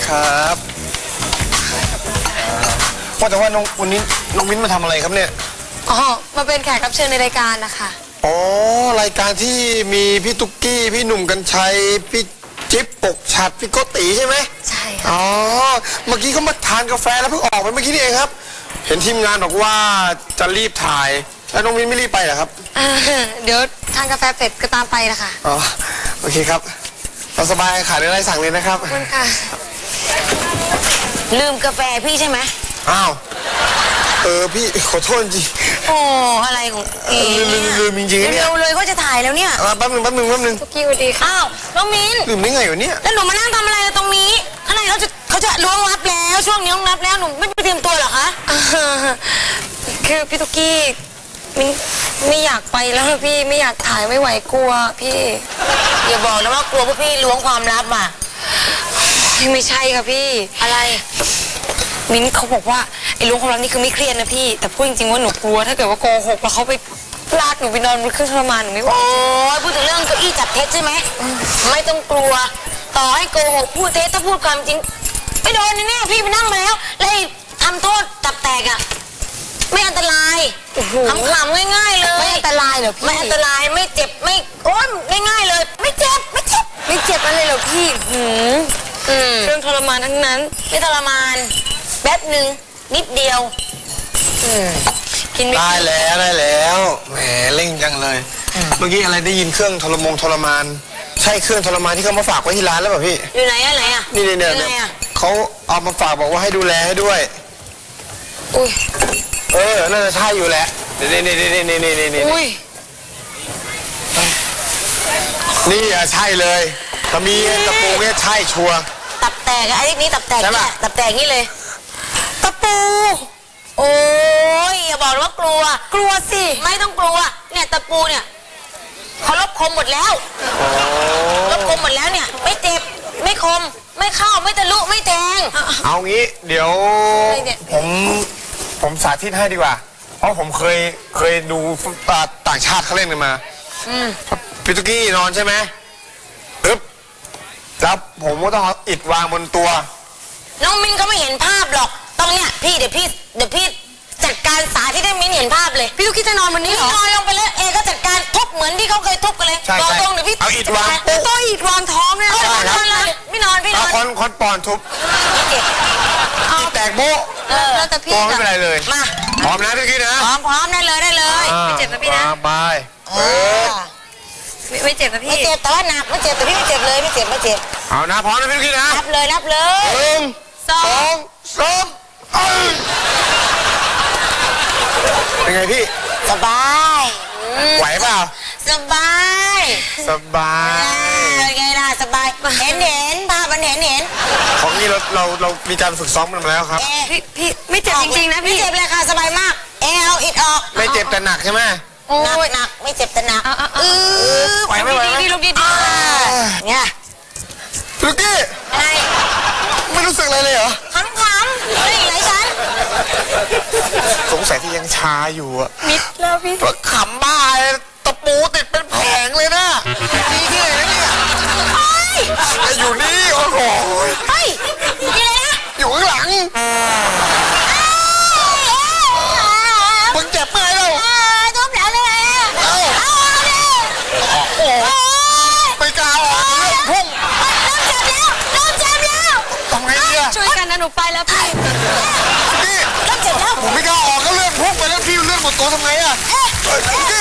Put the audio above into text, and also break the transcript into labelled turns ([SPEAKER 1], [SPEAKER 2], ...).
[SPEAKER 1] ครับว่าแต่ว่าวันนี้น้องมิ้นมาทำอะไรครับเนี่ย
[SPEAKER 2] อ๋อมาเป็นแขกรับเชิญในรายการนะคะ
[SPEAKER 1] อ๋อรายการที่มีพี่ตุ๊กกี้พี่หนุ่มกัญชัยพี่จิ๊บปกฉัดพี่โกติใช่ไหม
[SPEAKER 2] ใช่ค่ะ
[SPEAKER 1] อ๋อเมื่อกี้เขามาทานกาแฟแล้วเพิ่งออกไปเมื่อกี้นี่เองครับเห็นทีมงานบอกว่าจะรีบถ่ายแล้วน้องมิ้นไม่รีบไปเหรอครับ
[SPEAKER 2] เดี๋ยวทานกาแฟเสร็จก็ตามไปนะคะ
[SPEAKER 1] อ๋อโอเคครับเราสบายขาดอะไรสั่งเลยนะครับ
[SPEAKER 2] ขอบคุณค่ะ
[SPEAKER 3] ลืมกาแฟพี่ใช่ไหม
[SPEAKER 1] อ้าวพี่ขอโทษจริง
[SPEAKER 3] โอ้อะไรของเอ๋
[SPEAKER 1] ลืมจริงๆเนี่ย
[SPEAKER 3] เร็วเลยก็จะถ่ายแล้วเนี่ย
[SPEAKER 1] แป๊บหนึ่ง
[SPEAKER 2] ทุกกี้สวัสดีค่ะ
[SPEAKER 3] อ้าวน้องมิ้น
[SPEAKER 1] ลืมได้ไงวะเนี่ย
[SPEAKER 3] แล้วหนูมานั่งทำอะไรตรงนี้ข้างในเขาจะล้วงลับแล้วช่วงนี้ล้วงลับแล้วหนูไม่ไปเตรียมตัวเหรอคะ
[SPEAKER 2] คือพี่ทุกกี้ไม่อยากไปแล้วค่ะพี่ไม่อยากถ่ายไม่ไหวกลัวพี่
[SPEAKER 3] อย่าบอกนะว่ากลัวพวกพี่ล้วงความลับอ่ะ
[SPEAKER 2] ไม่ใช่ค่ะพี่
[SPEAKER 3] อะไร
[SPEAKER 2] มิ้นเขาบอกว่าไอ้ล้วงความลับนี่คือไม่เครียดนะพี่แต่พูดจริงๆว่าหนูกลัวถ้าเกิดว่าโกหกแล้วเขาไปลากหนูไปนอนบนเครื่องทรมานหนูไม่ไหว
[SPEAKER 3] โอ้ยพูดถึงเรื่องเก้าอี้จับเท็จใช่ไหมไม่ต้องกลัวต่อให้โกหกพูดเท็จถ้าพูดความจริงไม่โดนแน่ๆพี่ไปนั่งมาแล้วแล้วทำโทษตับแตกอ่ะไม่อันตรายขำๆง่ายๆเลย
[SPEAKER 2] ไม่อันตรายเหรอพี่
[SPEAKER 3] ไม่อันตรายไม่เจ็บไม่โอ้ยง่ายๆเลย ไม่เจ็บ
[SPEAKER 2] ไม่เจ็บอะไรเหรอพี่เครื่องทรมานทั้งนั้น
[SPEAKER 3] ไม่ทรมานแป๊บหนึ่งนิดเดียว
[SPEAKER 2] กินไม่
[SPEAKER 1] ได้แล้วแหมเร่งจังเลยเมื่อกี้อะไรได้ยินเครื่องทรมานใช่เครื่องทรมานที่เขามาฝากไว้ที่ร้านแล้วเปล่าพี่
[SPEAKER 3] อยู่ไหนอะไหนอะ
[SPEAKER 1] นี่
[SPEAKER 3] อยู่ไหนอะ
[SPEAKER 1] เขาเอามาฝากบอกว่าให้ดูแลให้ด้วย
[SPEAKER 2] อุ้ย
[SPEAKER 1] น่าจะใช่อยู่แหละนี่
[SPEAKER 2] อุ้ย
[SPEAKER 1] นี่อะใช่เลยถ้ามีตะปูเนี่ยใช่ชัวร์
[SPEAKER 3] ตับแตกอะไอ้นี่ตับแตก
[SPEAKER 1] ใช่
[SPEAKER 3] เนี่
[SPEAKER 1] ปะ
[SPEAKER 3] ยตับแตกนี่เลยตะปูโอ้ยอย่าบอกว่ากลัว
[SPEAKER 2] กลัวสิ
[SPEAKER 3] ไม่ต้องกลัวเนี่ยตะปูเนี่ยเขาลบคมหมดแล้วลบคมหมดแล้วเนี่ย ไม่เจ็บไม่คมไม่เข้าไม่ทะลุไม่แทง
[SPEAKER 1] เอางี้เดี๋ยวผมสาธิตให้ดีกว่า เพราะผมเคยดูต่างชาติเขาเล่นกันมาพี่ตุ๊กกี้นอนใช่ไหมปึ๊บแล้วผมก็ต้องเอาอิฐวางบนตัว
[SPEAKER 3] น้องมิ้นเขาไม่เห็นภาพหรอกตรงเนี้ยพี่เดี๋ยวพี่จัดการสาธิตให้มิ้นเห็นภาพเลย
[SPEAKER 2] พี่ลูกคิดจะนอนวันนี้เหรอ
[SPEAKER 3] นอนลงไปแล้วเอก็จัดการทุบเหมือนที่เขาเคยทุบกันเลย
[SPEAKER 1] ใช่
[SPEAKER 3] รอ
[SPEAKER 1] ใช่
[SPEAKER 3] ตรงเดี๋ยวพี่
[SPEAKER 1] เอาอิฐวาง
[SPEAKER 2] แต่ต้อยอิดวางท้องเนี่ย
[SPEAKER 3] เอา
[SPEAKER 1] ใช่ครับ
[SPEAKER 3] นอนเลยไม่นอนพี่น
[SPEAKER 1] เอา
[SPEAKER 3] อน
[SPEAKER 1] ค้อนปอนทุบ
[SPEAKER 3] ไม่เจ็บ
[SPEAKER 1] อิฐแตกโบ๊ะ
[SPEAKER 2] แล้วแต่พี่
[SPEAKER 1] ตัวไม่เป็นไรเลย
[SPEAKER 3] มา
[SPEAKER 1] พร้อมนะพี่ตุ๊กกี้นะ
[SPEAKER 3] พร้อมได้เลย
[SPEAKER 2] ไม่เจ็บนะพี่นะ
[SPEAKER 1] วางไป
[SPEAKER 2] ไม่เจ็บนะพี่
[SPEAKER 3] ไม่เจ็บแต่ว่าหนักไม่เจ็บแต่พี่ไม่เจ็บเลยไม่เจ็บ
[SPEAKER 1] เอานะพร้อมนะพี่ตุ๊กกี้นะ
[SPEAKER 3] รับเลย
[SPEAKER 1] 1 2 3เป็นไงพี่
[SPEAKER 3] สบาย
[SPEAKER 1] ไหวเปล่า
[SPEAKER 3] สบาย
[SPEAKER 1] สบาย
[SPEAKER 3] เป็นไงล่ะสบายเห็นภาพมันเห็น
[SPEAKER 1] ของนี้เรามีการฝึกซ้อมมันมาแล้วครับ
[SPEAKER 2] พี่ไม่เจ็บจริงๆนะ
[SPEAKER 3] ไม่
[SPEAKER 2] พี่
[SPEAKER 3] เจ็บเลยค่ะสบายมากเอาอิดออก
[SPEAKER 1] ไม่เจ็บแต่หนักใช่ไหม
[SPEAKER 2] โอ้ย
[SPEAKER 3] หนักไม่เจ็บแต่หนัก
[SPEAKER 1] ไหวไหม
[SPEAKER 2] ดีลูกดี
[SPEAKER 3] เนี่ย
[SPEAKER 1] ลูกกี้
[SPEAKER 3] อะไร
[SPEAKER 1] ไม่รู้สึกอะไรเลยเหรอ
[SPEAKER 3] ขำๆเฮ้ยไหนฉัน
[SPEAKER 1] สงสัยที่ยังชาอยู่อะ
[SPEAKER 2] มิดแล้วพี่
[SPEAKER 1] ก็ขำบ้าเลยตะปูติดเป็นแผงเลยนะนี่ที่ไหนนะเนี่ย
[SPEAKER 3] เฮ้ย
[SPEAKER 1] แต่อยู่นี่โอ้โห
[SPEAKER 3] เฮ้ยนี่เลยนะ
[SPEAKER 1] อยู่ข้างหลังมึงเจ็บไหมเรา
[SPEAKER 3] ทุบแล้วเลย
[SPEAKER 1] เอ้าโอ้โหไม่กล้าออกเรื่องพุ่ง
[SPEAKER 3] เริ่มเจ็บแล้ว
[SPEAKER 1] ทำไงดีอะ
[SPEAKER 2] ช่วยกันนะหนูไปแล้วพี่
[SPEAKER 1] นี่
[SPEAKER 3] เริ่มเจ็บแล้ว
[SPEAKER 1] ผมไม่กล้าออกก็เลือดพุ่งไปแล้วพี่เลือดหมดตัวทำไงอะพี่